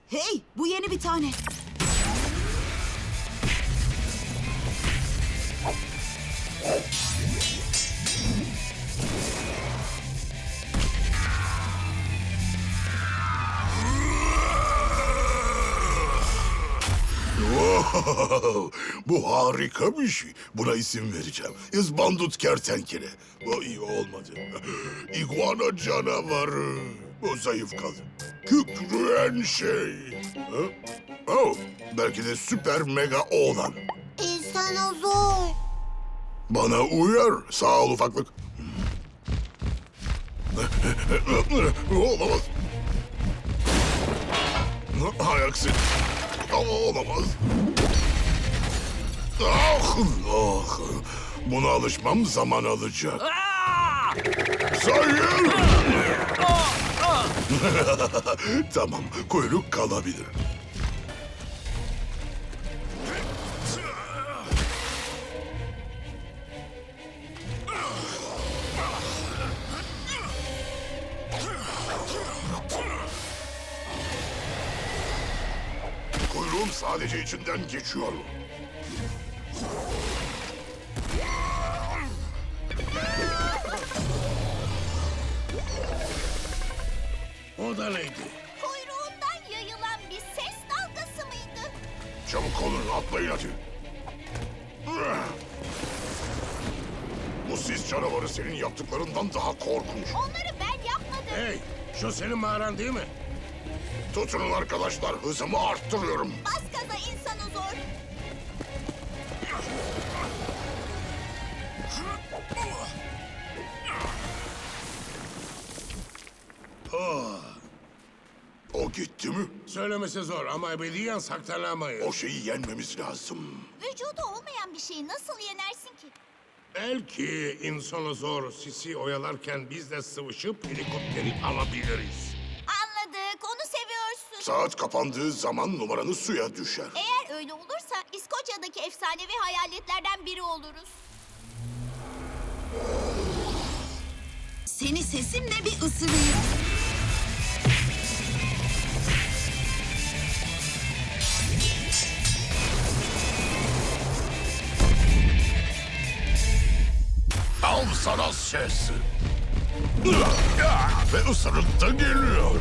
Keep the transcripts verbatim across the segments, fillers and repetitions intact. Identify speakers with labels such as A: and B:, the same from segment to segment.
A: Hey, bu yeni bir tane.
B: Wow, bu harika bir şey. Buna isim vereceğim. İzbandut kertenkele. Bu iyi olmadı. İguana canavarı. Bu zayıf kaldı. Kükreyen şey. Ha? Oh, belki de süper mega oğlan.
C: İnsanozor.
B: Bana uyar. Sağ ol ufaklık. Olamaz. Hay aksi. Ama olamaz. Ah, ah. Buna alışmam zaman alacak. Sayın! Tamam, kuyruk kalabilir. Kuyruğum sadece içinden geçiyor.
D: O da neydi?
C: Kuyruğundan yayılan bir ses dalgası mıydı?
B: Çabuk olun, atlayın hadi. Bu sis canavarı senin yaptıklarından daha korkunç.
C: Onları ben yapmadım.
D: Hey, şu senin mağaran değil mi?
B: Tutunun arkadaşlar, hızımı arttırıyorum.
C: Bas gaza İnsanozor.
B: O gitti mi?
D: Söylemesi zor ama ebediyen saklanamayız.
B: O şeyi yenmemiz lazım.
C: Vücudu olmayan bir şeyi nasıl yenersin ki?
D: Belki insanı zor sisi oyalarken biz de sıvışıp helikopteri alabiliriz.
C: Anladık, onu seviyorsun.
B: Saat kapandığı zaman numaranı suya düşer.
C: Eğer öyle olursa İskoçya'daki efsanevi hayaletlerden biri oluruz.
A: Seni sesimle bir ısırayım.
B: Al sana ses. Ve ısırık da geliyor.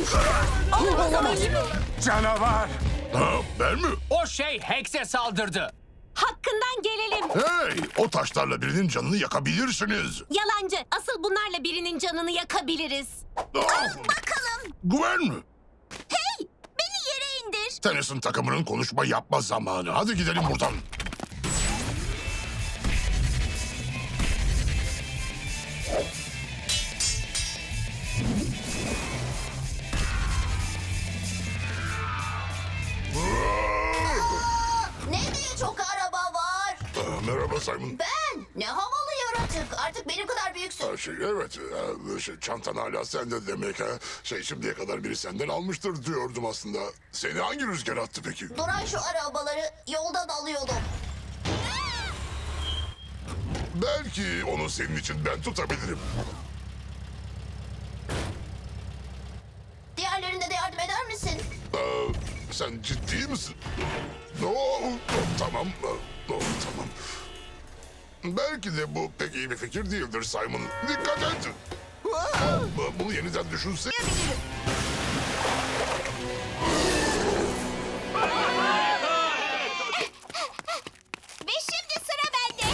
D: Canavar!
B: Ha, ben mi?
E: O şey Hex'e saldırdı.
F: Hakkından gelelim.
B: Hey, o taşlarla birinin canını yakabilirsiniz.
F: Yalancı. Asıl bunlarla birinin canını yakabiliriz.
B: Ah,
C: Bakalım.
B: Güven mi?
C: Hey, beni yere indir.
B: Tennyson takımının konuşma yapma zamanı. Hadi gidelim buradan.
C: Ne diye çok araba var?
B: Ah, merhaba Simon.
C: Ben? Ne havalı yaratık. Artık benim kadar büyüksün.
B: Ha, Şey, evet, e, şey, çantan hala sende demek ha. Şey, şimdiye kadar biri senden almıştır diyordum aslında. Seni hangi rüzgar attı peki?
C: Duran şu arabaları yoldan alıyordum.
B: Belki onu senin için ben tutabilirim.
C: Diğerlerine de yardım eder misin?
B: Aa, sen ciddi misin? Oo, tamam, oo, tamam. Belki de bu pek iyi bir fikir değildir Simon. Dikkat et. Bunu yeniden düşünse...
C: Ve şimdi sıra bende.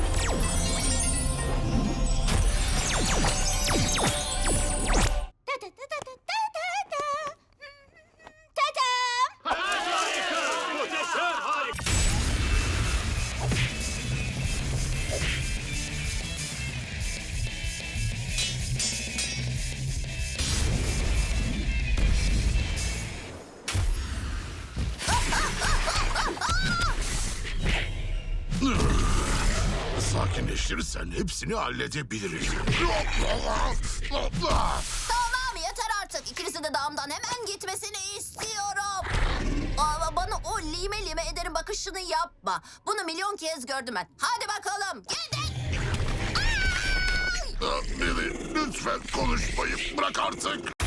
C: Ta ta ta ta ta ta ta. Ta-dam!
B: Sakinleştirirsen hepsini halledebiliriz.
C: Tamam yeter artık. İkinizin de dağımdan hemen gitmesini istiyorum. Ama bana o lime lime ederim bakışını yapma. Bunu milyon kez gördüm ben. Hadi bakalım gidin.
B: Billy, lütfen konuşmayı bırak artık.